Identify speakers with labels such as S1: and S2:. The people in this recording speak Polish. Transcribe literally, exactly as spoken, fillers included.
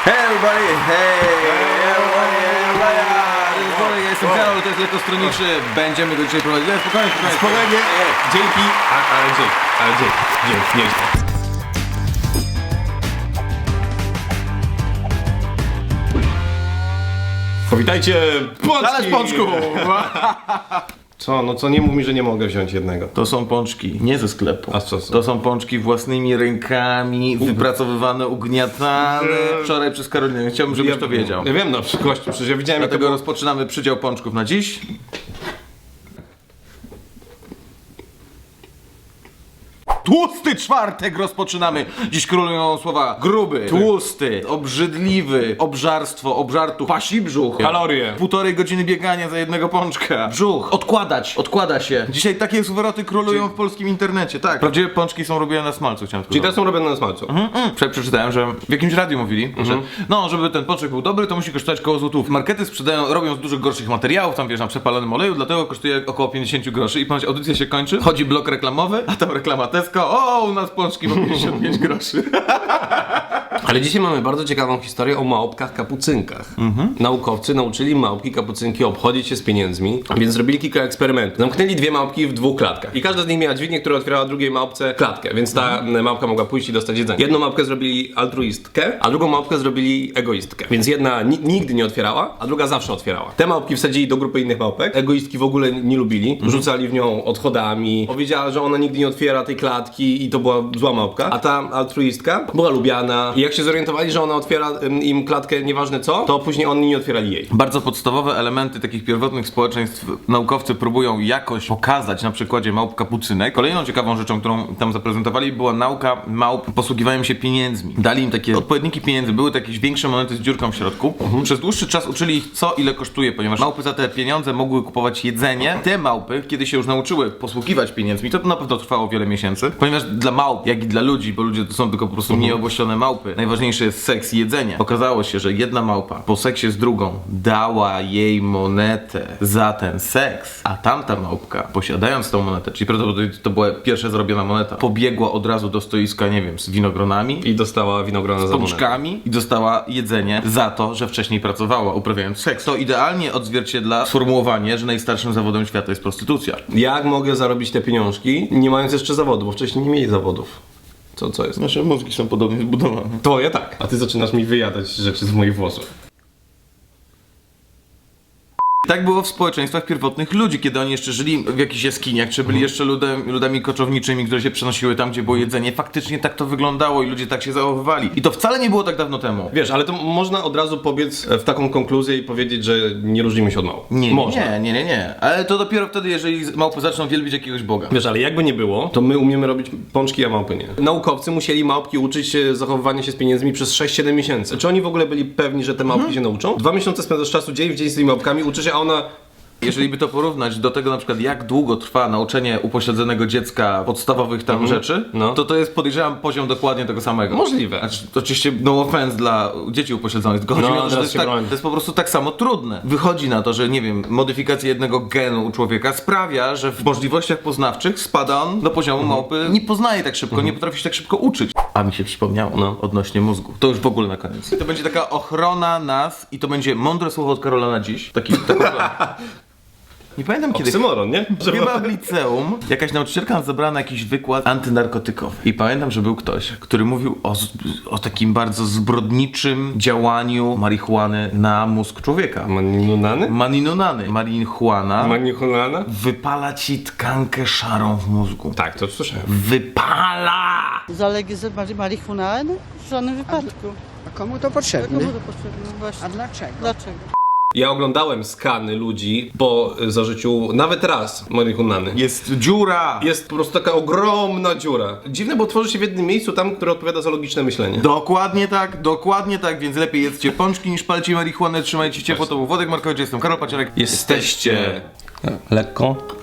S1: Hey everybody, hey everybody, everybody. Ja jestem Karol, to jest Lekkostroniczy. Będziemy go dzisiaj prowadzić. Nie, spokojnie, spokojnie.
S2: Spokojnie, dzięki, a, ale dzięki, ale dzięki, dzięki, nieźle. Powitajcie, pączki!
S1: Talerz pączków!
S2: Co, no co, nie mów mi, że nie mogę wziąć jednego.
S1: To są pączki, nie ze sklepu.
S2: A co są?
S1: To są pączki własnymi rękami, wypracowywane, ugniatane wczoraj przez Karolinę. Chciałbym, żebyś
S2: ja,
S1: to wiedział.
S2: Ja wiem, no gościu, przecież ja widziałem, jak to
S1: Dlatego
S2: było.
S1: rozpoczynamy przydział pączków na dziś. Tłusty czwartek rozpoczynamy. Dziś królują słowa gruby, tłusty, obrzydliwy, obżarstwo, obżartu, pasi brzuch.
S2: Kalorie.
S1: Półtorej godziny biegania za jednego pączka. Brzuch. Odkładać, odkłada się. Dzisiaj takie zwroty królują w polskim internecie, tak. Prawdziwe pączki są robione na smalcu, chciałem tylko
S2: Czyli te
S1: dodać.
S2: są robione na smalcu.
S1: Mm, mm. Wczoraj przeczytałem, że w jakimś radiu mówili, że no, żeby ten pączek był dobry, to musi kosztować koło złotów. Markety sprzedają, robią z dużo gorszych materiałów, tam wiesz, na przepalonym oleju, dlatego kosztuje około pięćdziesiąt groszy i ponoć audycja się kończy, chodzi blok reklamowy, a tam reklama Tesco, o, u nas pączki po pięćdziesiąt pięć groszy.
S2: Ale dzisiaj mamy bardzo ciekawą historię o małpkach kapucynkach. Naukowcy nauczyli małpki kapucynki obchodzić się z pieniędzmi, więc zrobili kilka eksperymentów. Zamknęli dwie małpki w dwóch klatkach i każda z nich miała dźwignię, która otwierała drugiej małpce klatkę, więc ta małpka mogła pójść i dostać jedzenie. Jedną małpkę zrobili altruistkę, a drugą małpkę zrobili egoistkę. Więc jedna ni nigdy nie otwierała, a druga zawsze otwierała. Te małpki wsadzili do grupy innych małpek, egoistki w ogóle nie lubili, rzucali w nią odchodami, powiedziała, że ona nigdy nie otwiera tej klatki i to była zła małpka, a ta altruistka była lubiana i jak się zorientowali, że ona otwiera ym, im klatkę nieważne co, to później oni nie otwierali jej.
S1: Bardzo podstawowe elementy takich pierwotnych społeczeństw naukowcy próbują jakoś pokazać na przykładzie małp kapucynek. Kolejną ciekawą rzeczą, którą tam zaprezentowali, była nauka małp posługiwania się pieniędzmi. Dali im takie odpowiedniki pieniędzy, były to jakieś większe monety z dziurką w środku. Przez dłuższy czas uczyli ich co ile kosztuje, ponieważ małpy za te pieniądze mogły kupować jedzenie. Te małpy, kiedy się już nauczyły posługiwać pieniędzmi, to na pewno trwało wiele miesięcy, ponieważ dla małp, jak i dla ludzi, bo ludzie to są tylko po prostu nieobłośnione małpy, najważniejsze jest seks i jedzenie. Okazało się, że jedna małpa po seksie z drugą dała jej monetę za ten seks, a tamta małpka, posiadając tą monetę, czyli prawdopodobnie to była pierwsza zrobiona moneta, pobiegła od razu do stoiska, nie wiem, z winogronami
S2: I dostała winogrona za monetę.
S1: pączkami i dostała jedzenie za to, że wcześniej pracowała uprawiając seks. To idealnie odzwierciedla sformułowanie, że najstarszym zawodem świata jest prostytucja.
S2: Jak mogę zarobić te pieniążki, nie mając jeszcze zawodu, bo wcześniej nie mieli zawodów. Co, co jest?
S1: Nasze mózgi są podobnie zbudowane.
S2: To ja tak. A ty zaczynasz mi wyjadać rzeczy z moich włosów.
S1: Tak było w społeczeństwach pierwotnych ludzi, kiedy oni jeszcze żyli w jakichś jaskiniach, czy byli jeszcze ludem, ludami koczowniczymi, które się przenosiły tam, gdzie było jedzenie. Faktycznie tak to wyglądało i ludzie tak się zachowywali. I to wcale nie było tak dawno temu.
S2: Wiesz, ale to można od razu pobiec w taką konkluzję i powiedzieć, że nie różnimy się od małp.
S1: Nie,
S2: można.
S1: nie, nie, nie, nie. Ale to dopiero wtedy, jeżeli małpy zaczną wielbić jakiegoś boga.
S2: Wiesz, ale jakby nie było, to my umiemy robić pączki, a małpy nie. Naukowcy musieli małpki uczyć się zachowywania się z pieniędzmi przez sześć siedem miesięcy. Czy oni w ogóle byli pewni, że te małpki się nauczą? Dwa miesiące spędzasz czasu dzień w dzień z tymi małpkami, uczy się, a ona...
S1: Jeżeli by to porównać do tego na przykład jak długo trwa nauczenie upośledzonego dziecka podstawowych tam rzeczy,
S2: No.
S1: to to jest podejrzewam poziom dokładnie tego samego.
S2: Możliwe.
S1: Znaczy, to oczywiście no offense dla dzieci upośledzonych, tylko chodzi
S2: No,
S1: mi o to, że to
S2: teraz
S1: jest,
S2: się
S1: tak,
S2: broni.
S1: to jest po prostu tak samo trudne. Wychodzi na to, że nie wiem, modyfikacja jednego genu u człowieka sprawia, że w możliwościach poznawczych spada on do poziomu małpy, nie poznaje tak szybko, nie potrafi się tak szybko uczyć. A mi się przypomniało
S2: No.
S1: odnośnie mózgu. To już w ogóle na koniec. To będzie taka ochrona nas i to będzie mądre słowo od Karola na dziś. Taki, taką Nie pamiętam kiedy.
S2: Oksymoron, nie?
S1: Chyba w liceum jakaś nauczycielka nas zabrała na jakiś wykład antynarkotykowy. I pamiętam, że był ktoś, który mówił o, z- o takim bardzo zbrodniczym działaniu marihuany na mózg człowieka.
S2: Maninunany?
S1: Maninunany. Marihuana
S2: Manichunana?
S1: wypala ci tkankę szarą w mózgu.
S2: Tak, to słyszałem.
S1: Wypala!
S3: Zalegalizować marihuanę? W żadnym wypadku.
S4: A komu to potrzebne?
S3: Komu to potrzebne? Właśnie.
S4: A dlaczego?
S3: Dlaczego?
S2: Ja oglądałem skany ludzi po zażyciu nawet raz marihuany.
S1: Jest dziura!
S2: Jest po prostu taka ogromna dziura. Dziwne, bo tworzy się w jednym miejscu tam, które odpowiada za logiczne myślenie.
S1: Dokładnie tak, dokładnie tak, więc lepiej jedzcie pączki niż palcie marihuanę, trzymajcie ciepło, to był Wodek Markowicz, jestem Karol Paciorek.
S2: Jesteście lekko